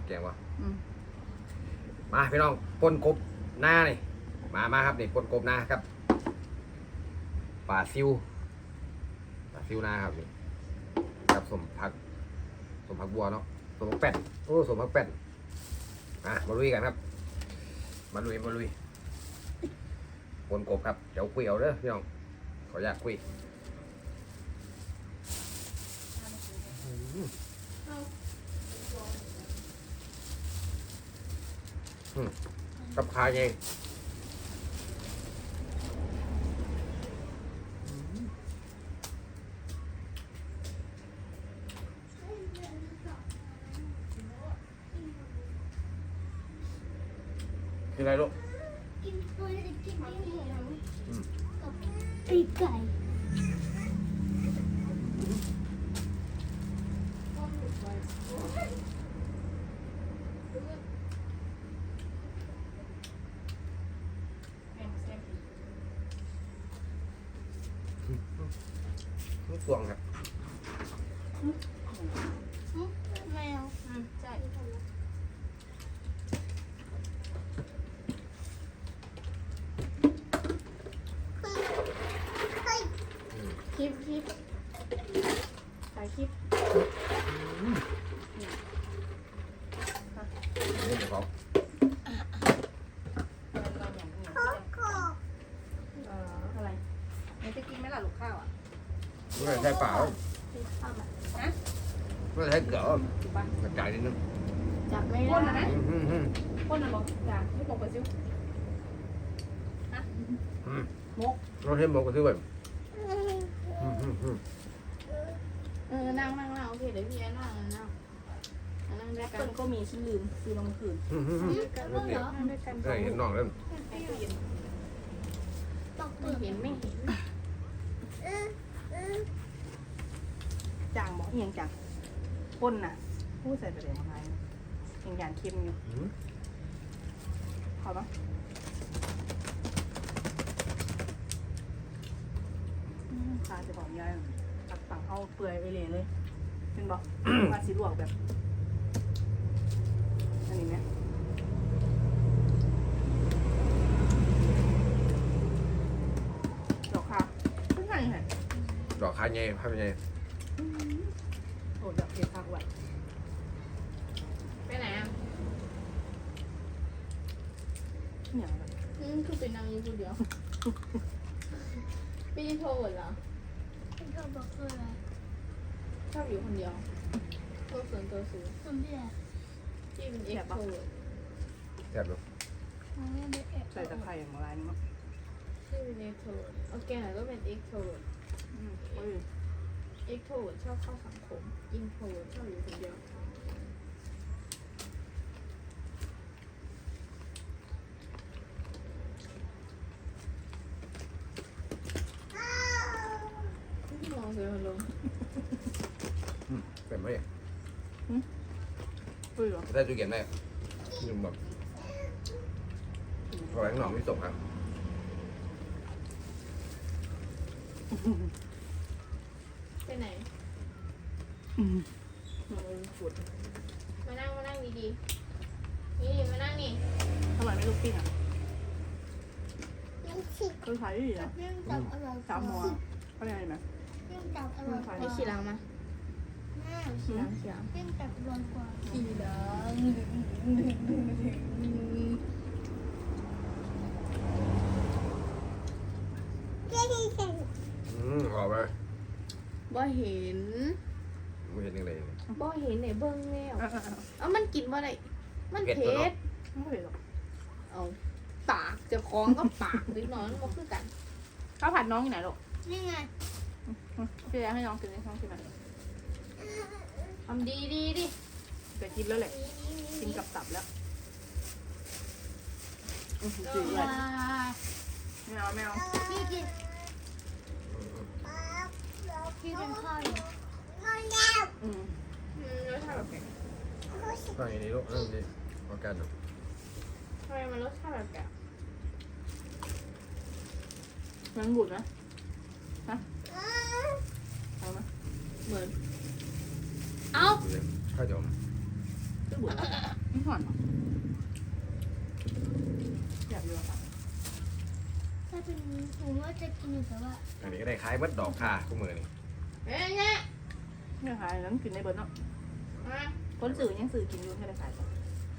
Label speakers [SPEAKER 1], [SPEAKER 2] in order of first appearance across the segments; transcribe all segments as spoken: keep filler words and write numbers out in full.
[SPEAKER 1] แกงวะมาพี่น้องปนกบหน้านี่มามาครับนี่ปนกบหน้าครับปลาซิวปลาซิวหน้าครับนี่กับสมผักสมผักบัวเนาะสมผักแป้นโอ้สมผักแป้นอ่ะมาลุยกันครับมาลุยมาลุยปนกบครับเดี๋ยวคุยเอาเด้อพี่น้องขออยากคุยกับขาเองกินอะไรลูก
[SPEAKER 2] กินตัวจะกินไม่เหนียวกับปีกไก่
[SPEAKER 1] ลูกตวงครับ
[SPEAKER 2] แมว
[SPEAKER 3] ใช่คลิปคลิปถ่ายคลิป
[SPEAKER 1] นี่เดี๋ยวเขา
[SPEAKER 3] อะไรมันจะกินไหมล่ะลูกข้าวอ่ะ
[SPEAKER 1] ไม่ใช่เปล่า
[SPEAKER 3] ข้าวมันฮะ
[SPEAKER 1] ไม่ใช่เกลือกระจายนิดนึง
[SPEAKER 3] จับไม่ได้นะพ่นนะบอกจ้ะไม่บอกไปซิวฮะมก
[SPEAKER 1] เราเห็นบอกก็ซื้อแบบ
[SPEAKER 3] เออนั่งนั่งนั่งโอเคเดี๋ยวพี่แอนนั่งนั่งนั่งด้วยกันก็มีชิ้นลืมซื้อลงคืน
[SPEAKER 1] รถเดียว
[SPEAKER 3] นั่งด้วยกัน
[SPEAKER 1] ได้เห็นน้องแล้ว
[SPEAKER 3] ให้ตู้เย็น
[SPEAKER 2] ตก
[SPEAKER 3] ไม่เห็นไม่เห็นจางบอกยังจางพ่นน่ะพูดใส่ประเดี๋ยวมาไงยังอย่างเค็มอยู่ขอปะตาจะบอกยายตักตังเอาเปื่อยไปเลยเลยเป็นบอกว่าสีลวกแบบอันนี้เนี่ยดอกค่ะเพิ่งไงไง
[SPEAKER 1] ดอกคาเย่ภาพเย่
[SPEAKER 3] โอ้ดอกเห็ดผักไว้ไปไหนอ่ะเนี่ยอืมคือเป็นนางอยู่คนเดียวพี่โทรเหรอ
[SPEAKER 2] เป็นตัวบอกคืออะไร
[SPEAKER 3] ชอบอยู่คนเดียวตัวส่วนตัวสูง
[SPEAKER 2] คนเดียว
[SPEAKER 3] ที่เป็นเอ็กโทร
[SPEAKER 1] แซ่บลูก
[SPEAKER 2] มันไม่ได้แอบ
[SPEAKER 3] ใส่ตะไคร้อย่างไรนี่มั้งที่เป็นเอ็กโทรโอเคหน่อยก็เป็นเอ็กโทรเอ็กโทรชอบเข้าสังคมอินโทรชอบอยู่คนเดียวมองเสือลง
[SPEAKER 1] เป็นไหม
[SPEAKER 3] ปื้อ
[SPEAKER 1] ได้จุเกียนได้ยืมแบบพอแบงค์หน่อไม่ส่งครับ
[SPEAKER 3] ไปไหนมาปวดมานั่งมานั่งดีๆนี่มานั่งนี่ทำไมไม่ลุกปิ้งอ่ะ
[SPEAKER 2] ยังฉีก
[SPEAKER 3] คือใช้ดีนะ
[SPEAKER 2] ยังจับอร่อย
[SPEAKER 3] สามหัวเข้าใจไหม
[SPEAKER 2] ยังจับอร่อยกว่า
[SPEAKER 3] ไม่ขี่ลังมา
[SPEAKER 2] แม่
[SPEAKER 3] ขี่ลังขี่ลัง
[SPEAKER 2] ยังจับอร่อยกว่า
[SPEAKER 3] ขี่ลัง
[SPEAKER 1] อืมออกไป
[SPEAKER 3] บ่เห็น
[SPEAKER 1] ไม่เห็นยังไงเลย
[SPEAKER 3] บ่เห็นไหนเบิ้งแล้วเอามันกินบ่ได้มันเผ็ดไม่เผ็ดหรอกเอาปากจะคล้องก็ปากนิดหน่อยมันบ่คือกันข้าวผัดน้องอยู่ไหนลูก
[SPEAKER 2] นี่ไง
[SPEAKER 3] พี่จะให้น้องกินให้น้องกินไหมทำดีดีดิจะกินแล้วแหละกินกับตับแล้วจืดเลยไม่เอาไม่เอา
[SPEAKER 2] พี่กินพี่เป็นข้าวอยู่
[SPEAKER 3] อืมรสชาติแบบไหน
[SPEAKER 1] ฟังอย่างนี้ลูกเรื่องนี้พอกันเนาะ
[SPEAKER 3] ทำไมมันรสชาติแบบแกมันบุดนะฮะเอาไหมเหมือนเอา
[SPEAKER 1] ข้าวจม
[SPEAKER 3] ดู
[SPEAKER 4] จะบุญไม่หอนหรออยากเยอะค่ะ
[SPEAKER 2] ถ้าเป็นผมว่าจะกินอยู่แต่ว่า
[SPEAKER 1] อันนี้ก็ได้คล้ายมัดดอกค่ะคู่มือนี่
[SPEAKER 3] เฮ้ยเนี่ย
[SPEAKER 4] เนี่ยขายแล้วกินในเบิร์นเนาะ
[SPEAKER 3] มา
[SPEAKER 4] คนสื่อยังสื่อกินอยู่ไม่ได้ขายต่อ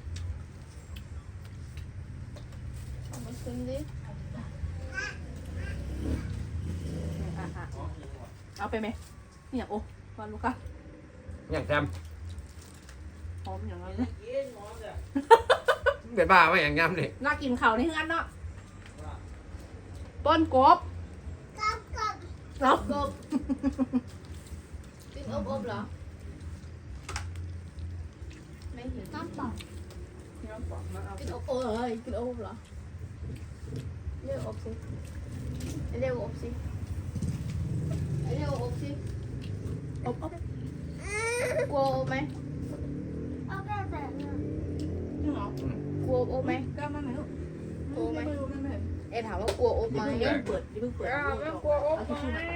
[SPEAKER 3] เอามาชิมดิ
[SPEAKER 4] อ่ะอ่ะเอาไปไหมเนี่ยโอ้วันลูกค้า
[SPEAKER 1] อย่างแซม
[SPEAKER 4] หอมอย่างนั้นเลย
[SPEAKER 1] เป็นบ้าไหมอย่างงามนี่
[SPEAKER 4] น่ากินเขาในเฮือนเนาะป้นกบ
[SPEAKER 2] กับกับ
[SPEAKER 4] เนาะ
[SPEAKER 3] กบกินอบอบๆเหรอไม่เห็น
[SPEAKER 2] น้ำเปล่า
[SPEAKER 4] เนี่ยบอกมาเอา
[SPEAKER 3] กินอบโอ้ยกินอบเหรอเรียกอบสิเรียกอบสิเรียกอบสิ
[SPEAKER 4] อบอบ
[SPEAKER 3] กลัวอบไหม
[SPEAKER 2] เอาแค่แต่เนี่ย
[SPEAKER 4] จริงเหรอก
[SPEAKER 3] ลัวอบไหม
[SPEAKER 4] กล้ามาไหมลูกไม่รู้ไม่รู้
[SPEAKER 3] เอ็ถามว่ากลัวอบไหม
[SPEAKER 4] อย่าเพิ่งเปิดอย่าเพิ่งเปิด
[SPEAKER 3] อ้าวไม่กลัวอบ
[SPEAKER 4] เอา
[SPEAKER 3] ไห
[SPEAKER 4] ที่
[SPEAKER 3] ม
[SPEAKER 4] ชื่อ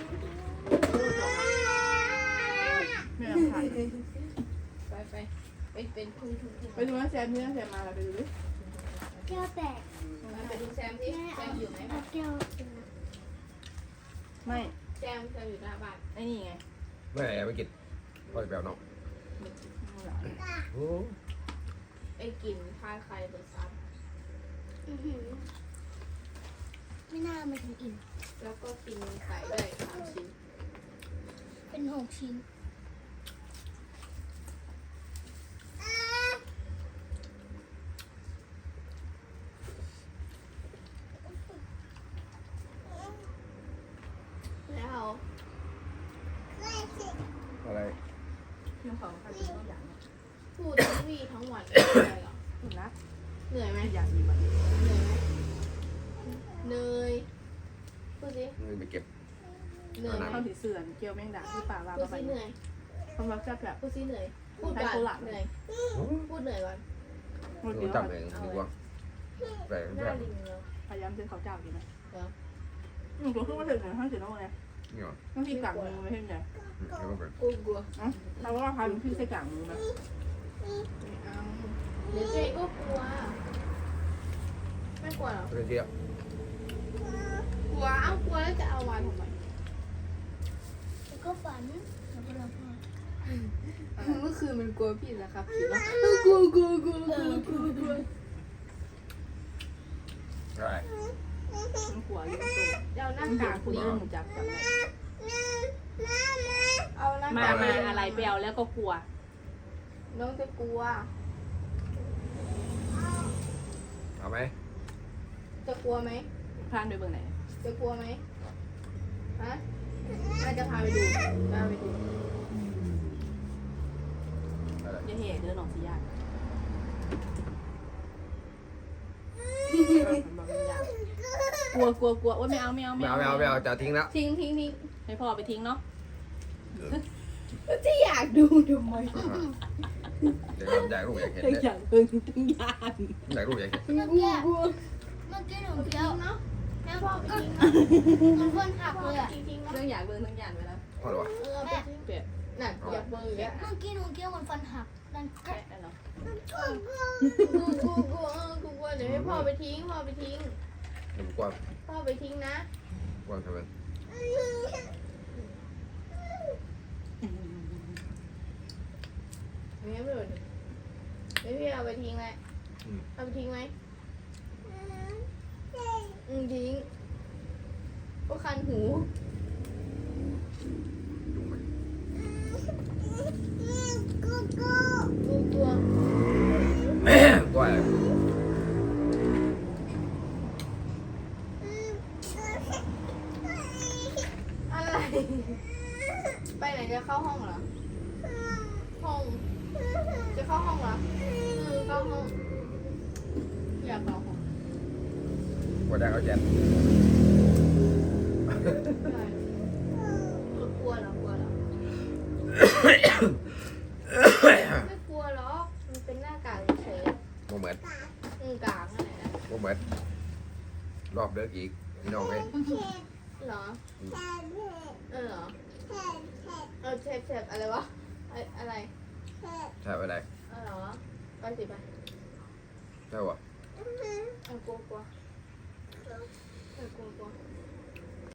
[SPEAKER 4] มาไม่เอาถ่าย
[SPEAKER 3] ไปไปไปเป็นคุณคุณคุณ
[SPEAKER 4] ไปดูนะแซมนี่นะแซมมาแล้วไปดูดิ
[SPEAKER 2] แก้วแตก
[SPEAKER 3] ไปดูแซมที่
[SPEAKER 2] แม่
[SPEAKER 3] แซ
[SPEAKER 2] เอา
[SPEAKER 3] มอยู่ไหม
[SPEAKER 2] เอาแก้วกินนะ
[SPEAKER 4] ไม่
[SPEAKER 3] แซมแซมอยู่หน้าบ้าน
[SPEAKER 4] ไอ้นี่ไง
[SPEAKER 1] เมื่อไหร่ไปกินพอจะแปลวน้องโอ้
[SPEAKER 3] ไปกินพาใครไปซ้
[SPEAKER 2] อื้อหือไม่น่ามาถึงอิ่ม
[SPEAKER 3] ำแล้วก็กินไก่ด้วยสามชิ้น
[SPEAKER 2] เป็นหกชิ้น
[SPEAKER 3] แล้ว
[SPEAKER 1] อะไร
[SPEAKER 4] เรื่องของการกินต้องอย่างนี้
[SPEAKER 3] พูดทั้งวี่ทั้งวันไม่เหนื่อยเหรอ
[SPEAKER 4] ถูกนะ
[SPEAKER 3] เหนื่อยไหม
[SPEAKER 4] ไม่อยากกินแบบ
[SPEAKER 3] เหนื่อยไหมเหนื่อยพูดสิ
[SPEAKER 1] นี่ไปเก็บ
[SPEAKER 3] เหนื่อยไหม
[SPEAKER 4] ข้าวสีเสื่อนเกี๊ยวแมงดาที่ป่าว่า
[SPEAKER 3] พูด
[SPEAKER 4] ประมา
[SPEAKER 3] สิ
[SPEAKER 4] ณ
[SPEAKER 3] เหนื่อย
[SPEAKER 4] ความรักจะแบบ
[SPEAKER 3] พูดสิเหนื่อยพูดก่อนเหนื่อยพูดเหนื่อยก่อน
[SPEAKER 4] หมด
[SPEAKER 1] ดู
[SPEAKER 4] เดียว
[SPEAKER 1] จำเองดีกว่าแปลก
[SPEAKER 3] ห
[SPEAKER 1] แปล
[SPEAKER 3] น้าก ลิงเลย
[SPEAKER 4] พยายามซื้อข้าวเจ้ากินนะ
[SPEAKER 3] เหรอ
[SPEAKER 4] อืมตัวขึ้นมาถึงหนึ่งห้าสิบโลไง
[SPEAKER 1] นี่หรอ
[SPEAKER 4] ต้องที่กลางมือไม่ใช่ไหม
[SPEAKER 1] อืมแล้วก็เป็น
[SPEAKER 3] กลัวกลัว
[SPEAKER 4] อ๋อเราว่าพายเป็นพี่ใส่กลางมือไหม
[SPEAKER 3] ไม่เอาเดี๋ยวเจ๊ก็กลัวไม่กลัวหรอ
[SPEAKER 1] เรื่องเที่ยว
[SPEAKER 3] กลัวเอากลัวแล้วจะเอามาทำไม
[SPEAKER 2] แล้วก็ฝันแล้วก็เราพ่อ
[SPEAKER 3] เมื่อคืนมันกลัวพี่นะครับพี่ว่ากลัวกลัวกลัวกลัวกลัวกลัว
[SPEAKER 1] ใช่
[SPEAKER 4] มันกลัวอยู่ตัว
[SPEAKER 3] เอาหน้า
[SPEAKER 4] มัน
[SPEAKER 3] กาก
[SPEAKER 4] คุณ
[SPEAKER 3] ลิง
[SPEAKER 4] เริ่มจับจับเลย
[SPEAKER 3] เอาหน้า
[SPEAKER 4] มา
[SPEAKER 3] กาก
[SPEAKER 4] มาอะไรเปลวแล้วก็กลัว
[SPEAKER 3] น้องจะกลัว
[SPEAKER 1] เอาไหม
[SPEAKER 3] จะกลัวไหม
[SPEAKER 4] พลานไปเบื้องไหน
[SPEAKER 3] จะกลัวไหมฮะแม่จะพาไปดูพาไปดู
[SPEAKER 1] อะไร
[SPEAKER 4] อย่าเหเดินออกสียากกลัวกลัวกลัวโอ๊ยไม่เอาไม่เอา
[SPEAKER 1] ไม่เอาไม่เอาไม่เอาจะทิ้งแล้ว
[SPEAKER 3] ทิ้งทิ้งทิ้ง
[SPEAKER 4] ให้พ่อไปทิ้งเนาะ
[SPEAKER 3] จะอยากดูทำไม
[SPEAKER 1] เดี๋ยวอยากรู้อยากเห็น
[SPEAKER 4] ตั้ง
[SPEAKER 1] เนี่ย
[SPEAKER 4] อย่างเพิ่งตั้งยาน
[SPEAKER 1] อยากรู้อยากเห็น
[SPEAKER 2] เมื่อกี้เมื่อกี้หนูเคี้ยว
[SPEAKER 3] เนาะแม่พ่อไปทิ้ง
[SPEAKER 2] มันพ่นหัก
[SPEAKER 3] พ่อ
[SPEAKER 2] เลย
[SPEAKER 3] ไป
[SPEAKER 2] อะ
[SPEAKER 3] ทิ้งเนาะ
[SPEAKER 4] เรื่องอยากเบิ่งตั้งยานไปแล้ว
[SPEAKER 1] พอหรอวะ
[SPEAKER 3] เออไปทิ้ง
[SPEAKER 4] เปลี่ยน
[SPEAKER 3] น่ะอยากเบอร์อย่างเงี้ย
[SPEAKER 2] เมื่อกี้หนูเคี้ยวมันฟันหักดันแกะ
[SPEAKER 4] แค่นั้นเนาะ
[SPEAKER 3] กูกูกูเออกูกลัวเดี๋ยวให้พ่อไปทิ้งพ่อไปทิ้ง
[SPEAKER 1] เดี๋ยวผมกวาง
[SPEAKER 3] พ่อไปทิ้งนะ
[SPEAKER 1] กวางทำไม
[SPEAKER 3] อย่างเงี้ยไม่หมดไม่พี่เอาไปทิ้งเลยเอาไปทิ้งไหมอืมทิ้งก็คันหู
[SPEAKER 1] ดูไหม
[SPEAKER 2] กูกู
[SPEAKER 3] กูกลัว
[SPEAKER 1] กวางอะไร
[SPEAKER 3] อะไร ไปไหนจะเข้าห้องเหรอ ห้อง จะเข้าห้องเหรอเออเข้าห้อง อยากเข้าห้อง
[SPEAKER 1] กวางได้เขาแจม
[SPEAKER 3] ใช่กลัวเหรอกลัวเหรอ ไม่กลัวหรอก มันเป็นหน้ากากเฉย
[SPEAKER 1] โมเหมือน
[SPEAKER 3] ๆอืมกากนั่นแหละ
[SPEAKER 1] โมเหมือนรอบเลิกอีกพี่น้องเอ้ย
[SPEAKER 3] เหรอ เออเหรอ เออเจ็บเจ็บอะไรวะอะอะไร
[SPEAKER 1] ใช่อะไร
[SPEAKER 3] เออเหรอไปสิไป
[SPEAKER 1] ใช่ปะ
[SPEAKER 3] เอากลัวกลัว